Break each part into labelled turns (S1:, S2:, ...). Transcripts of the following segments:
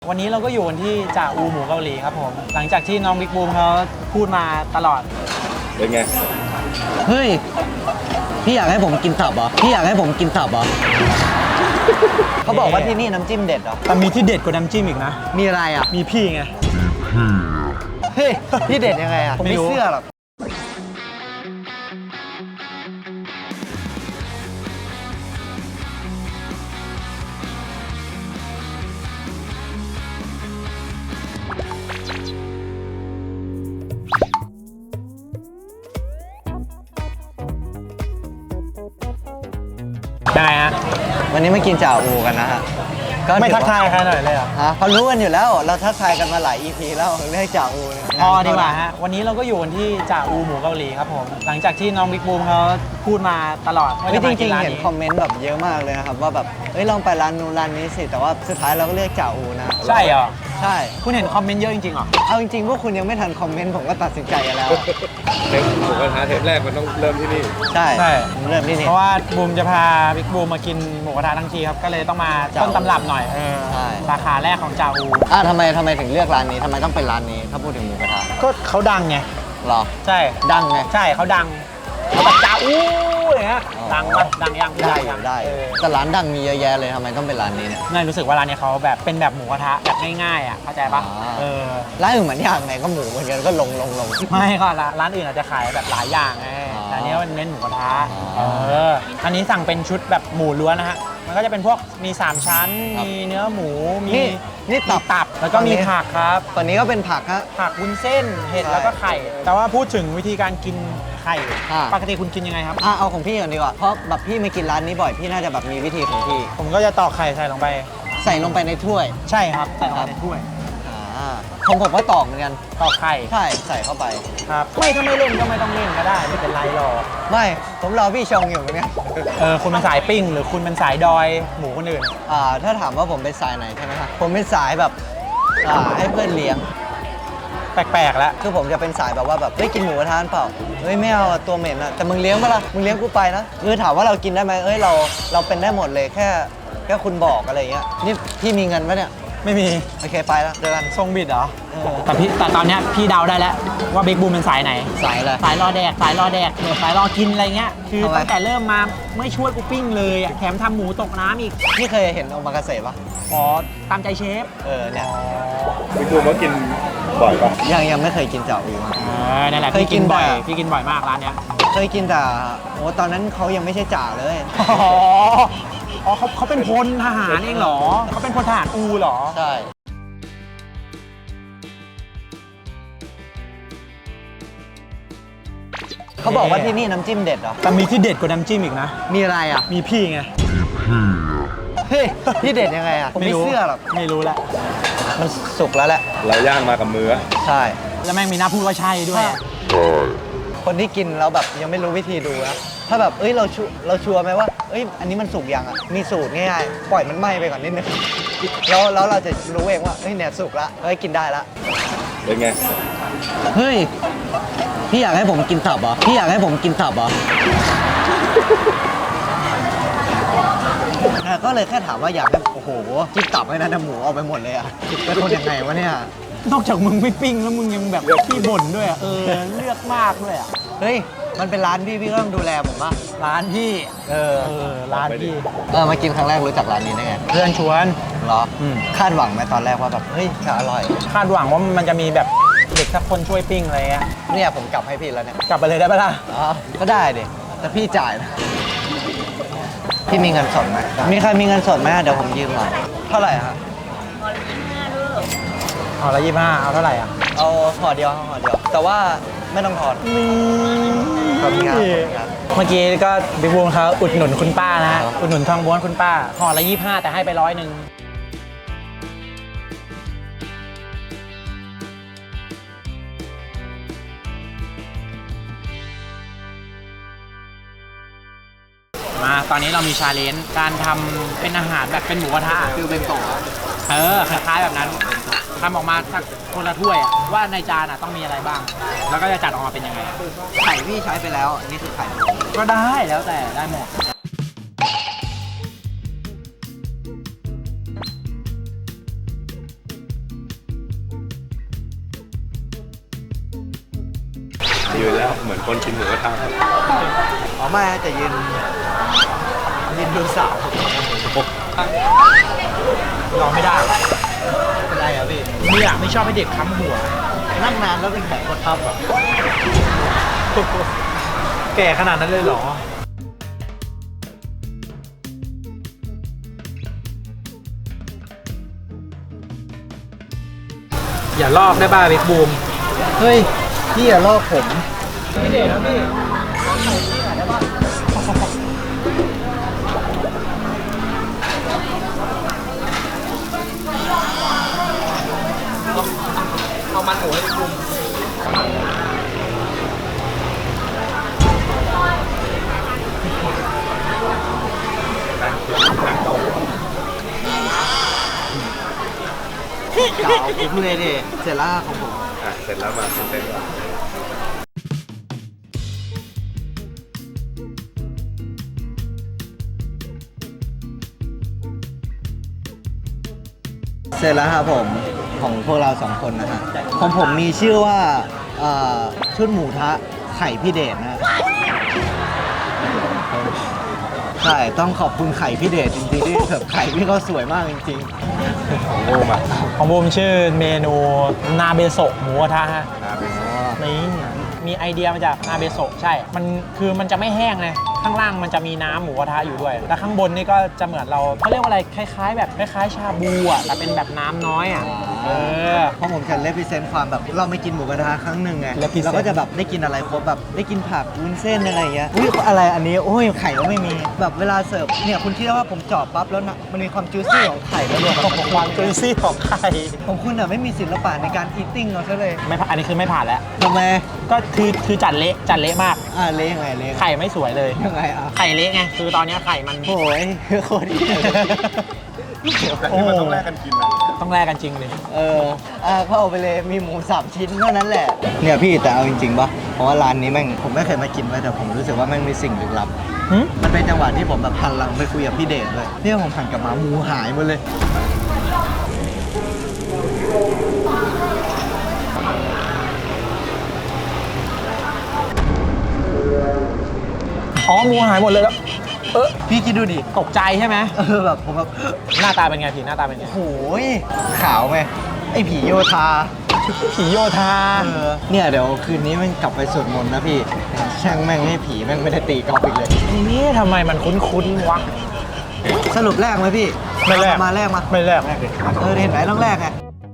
S1: วันนี้เราก็อยู่กันที่จ่าอูหมูเกาหลีครับผมหลังจากที่น้องบิ๊กบูมเขาพูดมาตลอด
S2: เป็นไง
S3: เฮ้ยพี่อยากให้ผมกินตับเหรอพี่อยากให้ผมกินตับเหรอเขาบอกว่าที่นี่น้ำจิ้มเด็ดเหรอ
S1: แต่มีที่เด็ดกว่าน้ำจิ้มอีกนะ
S3: มีอะไรอ่ะ
S1: มีพี่ไง
S3: เฮ้ยพี่เด็ดยังไงอ่ะผมไม่เชื่อหรอก
S1: ได้ฮะ
S3: วันนี้มากินจ่าอูกันนะฮะ
S1: ไม่ทักทายใครหน่อยเลยเหรอ
S3: เขารู้กันอยู่แล้วเราทักทายกันมาหลาย EP แล้วเรียกจ่าอู
S1: พอดีกว่าฮะวันนี้เราก็อยู่กันที่จ่าอูหมูเกาหลีครับผมหลังจากที่น้องบิ๊กบูมเขาพูดมาตลอด
S3: จริงๆเห็นคอมเมนต์แบบเยอะมากเลยนะครับว่าแบบลองไปร้านนู้นร้านนี้สิแต่ว่าสุดท้ายเราก็เรียกจ่าอูนะ
S1: ใช่เหรอ
S3: ใช่
S1: คุณเห็นคอมเมนต์เยอะจริงๆเหรอ
S3: เอาจริงๆพวกคุณยังไม่ทันคอมเมนต์ผมก็ตัดสินใจกันแล้ว
S2: เทปหมูกระทะเทปแรกมันต้องเริ่มที่นี่
S3: ใช่เริ่มที่นี่
S1: เพราะว่าบูมจะพาบิ๊กบูมมากินหมูกระทะทั้งทีครับก็เลยต้องมาต้นตำรับหน่อยสาขาแรกของจ่าอู
S3: ทำไมถึงเลือกร้านนี้ทำไมต้องเป็นร้านนี้ถ้าพูดถึงหมูกระทะ
S1: ก็เขาดังไง
S3: หรอ
S1: ใช่
S3: ดังไง
S1: ใช่เขาดังเขาแบบจ่าอูอะไรเงี้ยดังปะดังยัง
S3: ได้แต่ร้านดังมีเยอะแยะเลยทำไมต้องเป็นร้านนี้เนี่ย
S1: ง่ายรู้สึกว่าร้านนี้เขาแบบเป็นแบบหมูกระทะแบบง่ายๆอ่ะเข้าใจปะ
S3: ร้านอื่นเหมือนอย่างไหนก็หมูเหมือนกันก็ลง
S1: ไม่ก็ร้านอื่นอาจจะขายแบบหลายอย่างไงแต่อันนี้มันเน้นหมูกระทะอันนี้สั่งเป็นชุดแบบหมูล้วนนะฮะมันก็จะเป็นพวกมี3ชั้นมีเนื้อหมูมีตับแล้วก็มีผักครับ
S3: ตอนนี้ก็เป็นผักฮะ
S1: ผักวุ้นเส้นเห็ดแล้วก็ไข่แต่ว่าพูดถึงวิธีการกินไข่ปกติคุณกินยังไงครับ
S3: เอาของพี่ก่อนดีกว่าเพราะแบบพี่มากินร้านนี้บ่อยพี่น่าจะแบบมีวิธีของพี่
S1: ผมก็จะตอกไข่ใส่ลงไป
S3: ในถ้วย
S1: ใช่ครับใส่ลงไปในถ้วย
S3: ผมก็ตอกเหมือนกัน
S1: ตอกไข่
S3: ใช่ใส่เข้าไป
S1: ครับถ้าไม่เล่นก็ไม่ต้องเล่นก็ได้ไม่เป็นไรหรอก
S3: ไม่ผมรอพี่ชงอยู่เนี่ย
S1: คุณเป็นสายปิ้งหรือคุณเป็นสายดอยหมูคนอื่น
S3: ถ้าถามว่าผมเป็นสายไหนใช่ไหมครับผมเป็นสายแบบให้เพื่อนเลี้ยง
S1: แปลกๆแล้ว
S3: คือผมจะเป็นสายแบบว่าแบบกินหมูกระทะเปล่าไม่เอาตัวเหม็นอะแต่มึงเลี้ยงปะล่ะมึงเลี้ยงกูไปนะคือถามว่าเรากินได้ไหมเราเป็นได้หมดเลยแค่คุณบอกอะไรเงี้ยนี่พี่มีเงินปะเนี่ย
S1: ไม่มี
S3: โอเคไปแล้วเจอกัน
S1: ทรงบิดเหรอแต่ตอนนี้พี่เดาได้แล้วว่าบิ๊กบูมเป็นสายไหน
S3: สายอะไร
S1: สายรอแดกสายรอกินอะไรเงี้ยคือตั้งแต่เริ่มมาไม่ช่วยกูปิ้งเลยแถมทำหมูตกน้ำอีก
S3: พี่เคยเห็นโอมากาเสะปะ
S1: ตามใจเชฟ
S3: เนี่ย
S2: บิ๊กบูมเขากินบ่อยปะ
S3: ยังไม่เคยกินจ่าอู
S1: นั่นแหละพี่กินบ่อยมากร้านเนี้ย
S3: เคยกินแต่ตอนนั้นเขายังไม่ใช่จ่าเลย
S1: เขาเป็นพลทหารเองเหรอเขาเป็นพลทหารอูเหรอ
S3: ใช่เขาบอกว่าที่นี่น้ำจิ้มเด็ดเหรอ
S1: แต่มีที่เด็ดกว่าน้ำจิ้มอีกนะ
S3: มีอะไรอ่ะ
S1: มีพี่ไง
S3: เฮ้ยพี่เด็ดยังไงอ่ะผมไม่เชื่อหรอก
S1: ไม่รู้แหละ
S3: มันสุกแล้วแหละ
S2: เราย่างมากับมือ
S3: ใช่
S1: แล้วแม่งมีหน้าพูดว่าใช่ด้วย
S3: คนที่กินแล้วแบบยังไม่รู้วิธีดูนะถ้าแบบเราชัวร์ไหมว่าอันนี้มันสุกยังอ่ะมีสูตรง่ายๆปล่อยมันไหม้ไปก่อนนิดนึงแล้วเราจะรู้เองว่าเนี่ยสุกละกินได้ละ
S2: เป็นไง
S3: เฮ้ยพี่อยากให้ผมกินตับเหรอพี่อยากให้ผมกินตับเหรอก็เลยแค่ถามว่าอยากให้โอ้โหกินตับให้นะหมูเอาไปหมดเลยอ่ะแล้วคนยังไงวะเนี่ย
S1: นอกจากมึงไม่ปิ้งแล้วมึงยังแบบขี้บ่นด้วยเลือกมากด้วย
S3: เฮ้ยมันเป็นร้านพี่ก็ต้องดูแลผมป่ะ
S1: ร้านพี่ร้านพี่
S3: มากินครั้งแรกรู้จักร้านนี้ได้ไง
S1: เพื่อนชวน
S3: เหรอคาดหวังไหมตอนแรกว่าแบบจะอร่อย
S1: คาดหวังว่ามันจะมีแบบเด็กสักคนช่วยปิ้งอะไรเงี้ย
S3: เนี่ยผมกลับให้พี่แล้วเนี่ย
S1: กลับไปเลยได้ปะล่ะ
S3: ก็ได้ดิแต่พี่จ่ายนะพี่มีเงินสดไหมมีใครมีเงินสดไหมเดี๋ยวผมยืมหน่อยเท่าไหร่ฮะ
S1: ห่อละ25เอาเท่าไหร่อ่ะ
S3: เอาห่อเดียวแต่ว่าไม่ต้องถอนขอบคุณครับ
S1: เมื่อกี้ก็บิ๊กบูมเขาอุดหนุนคุณป้านะอุดหนุนทองม้วนคุณป้าห่อละ25แต่ให้ไป100มาตอนนี้เรามีชาเลนจ์การทำเป็นอาหารแบบเป็นหมูกระทะ
S3: ฟิลเบนโตะ
S1: คล้ายๆแบบนั้นทำออกมาสักคนละถ้วยว่าในจานต้องมีอะไรบ้างแล้วก็จะจัดออกมาเป็นยังไง
S3: ไข่พี่ใช้ไปแล้วนี่คือไข่
S1: ก็ได้แล้วแต่ได้หมด
S2: เหมือนคนกินหมูกระทะครับ
S3: อ๋อไม่จะยืนดูสาว
S1: รอไม่ได้
S3: เป็นไรอ่ะพี่
S1: ไม่ชอบให้เด็กค้ำหัว
S3: นั่งนานแล้วเป็นแผลกดทับอ่ะ
S1: แก่ขนาดนั้นเลยเหรอ อย่าลอกได้บ้าเบกบูม
S3: เฮ้ยพี่อย่าลอกผม
S1: ไม่เด็ดนะพี่เอามันหมูให้บูม
S3: เก่าผมเลยดิเสร็จแล้วของผม
S2: เสร็จแล้วมาเสร็จแล้ว
S3: เสร็จแล้วครับผมของพวกเราสองคนนะฮะของผมมีชื่อว่าชุดหมูทะไข่พี่เดชนะใช่ต้องขอบคุณไข่พี่เดชจริงๆที่แบบไข่พี่เขาสวยมากจริง
S2: ของบูมอ่ะ
S1: ของบูมชื่อเมนูนาเบโซะหมูกระทะฮะ
S2: นาเป็น
S3: ๆ
S1: นี่มีไอเดียมาจากนาเบโซะใช่ มันจะไม่แห้งเลยข้างล่างมันจะมีน้ำหมูกระทะอยู่ด้วย แล้วข้างบนนี่ก็จะเหมือนเขาเรียกว่าอะไรคล้ายๆ แบบคล้ายๆชาบูอ่ะแต่เป็นแบบน้ำน้อยอ่ะ
S3: เพราะผมจะเลพิเซนต์ความแบบเราไม่กินหมูกระทะครั้งหนึ่งไง
S1: represent
S3: เราก็จะแบบได้กินอะไรครบแบบได้กินผักวุ้นเส้นอะไรอย่างเงี้ยอุ้ยอะไรอันนี้โอ้ยไข่ก็ไม่มีแบบเวลาเสิร์ฟเนี่ยคุณคิดว่าผมเจาะปั๊บแล้วนะมันมีความจูซี่ของไข่แล้วรวมกับ
S1: ความจุยซี่ของไข่
S3: ของคุณอ่ะไม่มีศิลปะในการอีทติ้งเอาซะเลย
S1: ไม่ผ่านอันนี้คือไม่ผ่านแล้ว
S3: ทำไม
S1: ก็คือจัดเละมาก
S3: เละยังไงเละ
S1: ไข่ไม่สวยเลย
S3: ยังไงอ่ะ
S1: ไข่เละไงคือตอนนี้ไข่มัน
S3: โอ้ยโคตรเหี้ยเลย
S2: แต่ที่มันต้องแลกกันกินนะ
S1: ต้องแลกกันจริงเลย
S3: ก็เอาไปเลยมีหมู3 ชิ้นเท่านั้นแหละเนี่ยพี่แต่เอาจริงๆป่ะเพราะว่าร้านนี้แม่งผมไม่เคยมากินเลยแต่ผมรู้สึกว่าแม่งมีสิ่งลึกลับ
S1: หึ
S3: มันเป็นจังหวะที่ผมแบบหันหลังไปคุยกับพี่เดชเลยเนี่ยผมหันกลับมาหมูหายหมดเลย
S1: อ๋อหมูหายหมดเลยแล้ว
S3: พี่คิดดูดิ
S1: ตกใจใช่ไหม
S3: แบบผมแบบ
S1: หน้าตาเป็นไงผีหน้าตาเป็นไง
S3: โอ้ยขาวไหมไอ้ผีโยธา
S1: ผีโยธา
S3: เนี่ยเดี๋ยวคืนนี้มันกลับไปสวดมนต์นะพี่ช่างแม่งให้ผีแม่งไม่ได้ตีกอล์ฟอีกเลย
S1: นี่ทำไมมันคุ้นๆวะ
S3: สรุปแรกไหมพี่
S1: ไม่แรก
S3: มาแรกมา
S1: ไม่แรก
S3: เห็นไหมต้องแรกไง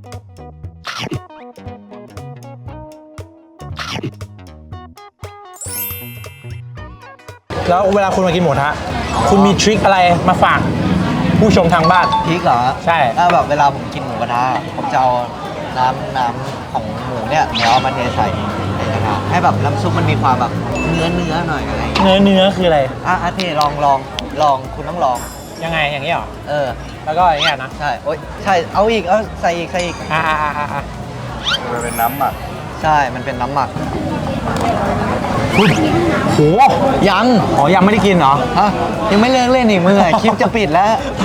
S1: แล้วเวลาคุณมากินหมูกระทะคุณมีทริคอะไรมาฝากผู้ชมทางบ้าน
S3: พริกเหรอ
S1: ใช่
S3: ถ้าแบบเวลาผมกินหมูกระทะผมจะเอาน้ำของหมูเนี่ยเดี๋ยวเอามาเทใส่ในกระทะให้แบบน้ำซุปมันมีความแบบเนื้อหน่อยอะไรอย่างเงี้ย
S1: เนื้อคืออะไร
S3: เทลองคุณต้องลอง
S1: ยังไงอย่างนี้เหรอ
S3: แล้ว
S1: ก็อย่างเงี้ยนะ
S3: ใช่โอ๊ยใช่เอาอีกเอาใส่อีก
S1: อ่า
S2: มันเป็นน้ำหมัก
S3: ใช่มันเป็นน้ำหมัก
S1: คุณโห
S3: ยัง
S1: อ๋อยังไม่ได้กินเหรอ
S3: ฮะยังไม่เลิกเล่นอีกมึงคลิปจะปิดแล้ว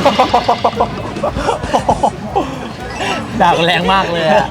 S1: ดักแรงมากเลยอะ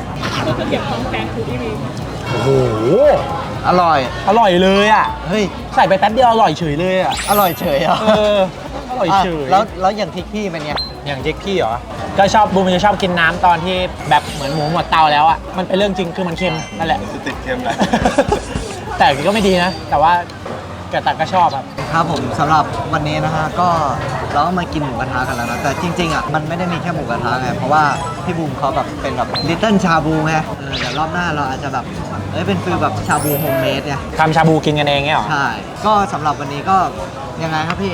S1: โอ้โห
S3: อร่อย
S1: อร่อยเลยอ่ะ
S3: เฮ้ย
S1: ใส่ไปแป๊บเดียวอร่อยเฉยเลยอ่ะ
S3: อร่อยเฉยเหรอ
S1: อร่อยเฉย
S3: แล้วอย่างพริกพี่เป็นไง
S1: อย่างเจ๊กพี่เหรอ ก็ชอบบูมจะชอบกินน้ำตอนที่แบบเหมือนหมูหมดเตาแล้วอ่ะ มันเป็นเรื่องจริงคือมันเค็มนั่นแหละ
S2: จะติดเค็มเลย
S1: แต่ก็ไม่ดีนะ แต่ว่าก็ชอบครับ
S3: ครับผมสำหรับวันนี้นะฮะก็เราก็มากินหมูกระทะกันแล้วนะแต่จริงๆอ่ะมันไม่ได้มีแค่หมูกระทะไงเพราะว่าพี่บูมเขาแบบเป็นแบบลิตเติ้ลชาบูไงเดี๋ยวรอบหน้าเราอาจจะแบบเป็นฟีลแบบชาบูโฮมเมดไง
S1: ทำชาบูกินกันเองเงี้ยเหรอ
S3: ใช่ก็สำหรับวันนี้ก็ยังไงครับพี่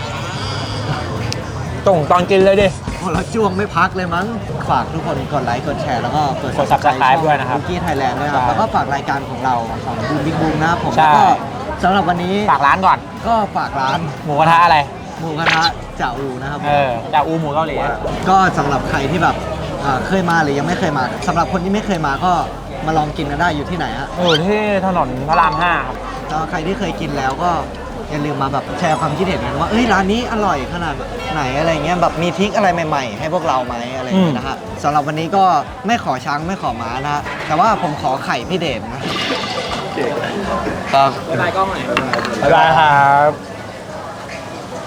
S1: ตอนกินเลยดิ
S3: โอ้เราจ้วงไม่พักเลยมั้งฝากทุกคนกดไลค์กดแชร์แล้วก็กด
S1: Subscribe ด้วยนะครับ
S3: บุกี้ไทยแลนด์ด้วยครับ
S1: ใช่
S3: แล้วก็ฝากรายการของเราของบูมบิ๊กบูมนะครับผม
S1: ใช่
S3: แล้วก็สำหรับวันนี้
S1: ฝากร้านก่อน
S3: ก็ฝากร้าน
S1: หมูกระทะอะไร
S3: หมูกระทะจ่าอูนะครับผม
S1: จากอูหมูเกาหลี
S3: ก็สำหรับใครที่แบบเคยมาหรือยังไม่เคยมาสำหรับคนที่ไม่เคยมาก็มาลองกินกันได้อยู่ที่ไหนฮะ
S1: อยู่ที่ถนนพระราม 5 ครับ
S3: แล้วใครที่เคยกินแล้วก็อย่าลืมมาแบบแชร์ความคิดเห็นกันว่าเอ้ยร้านนี้อร่อยขนาดไหนอะไรเงี้ยแบบมีทริคอะไรใหม่ๆ ให้พวกเราไหมอะไรอย่างเงี้ยนะฮะสำหรับวันนี้ก็ไม่ขอช้างไม่ขอม้านะฮะแต่ว่าผมขอไข่พี่เดชนะครับ
S1: บ๊ายบายกล้องหน่อยบ๊ายบายครับ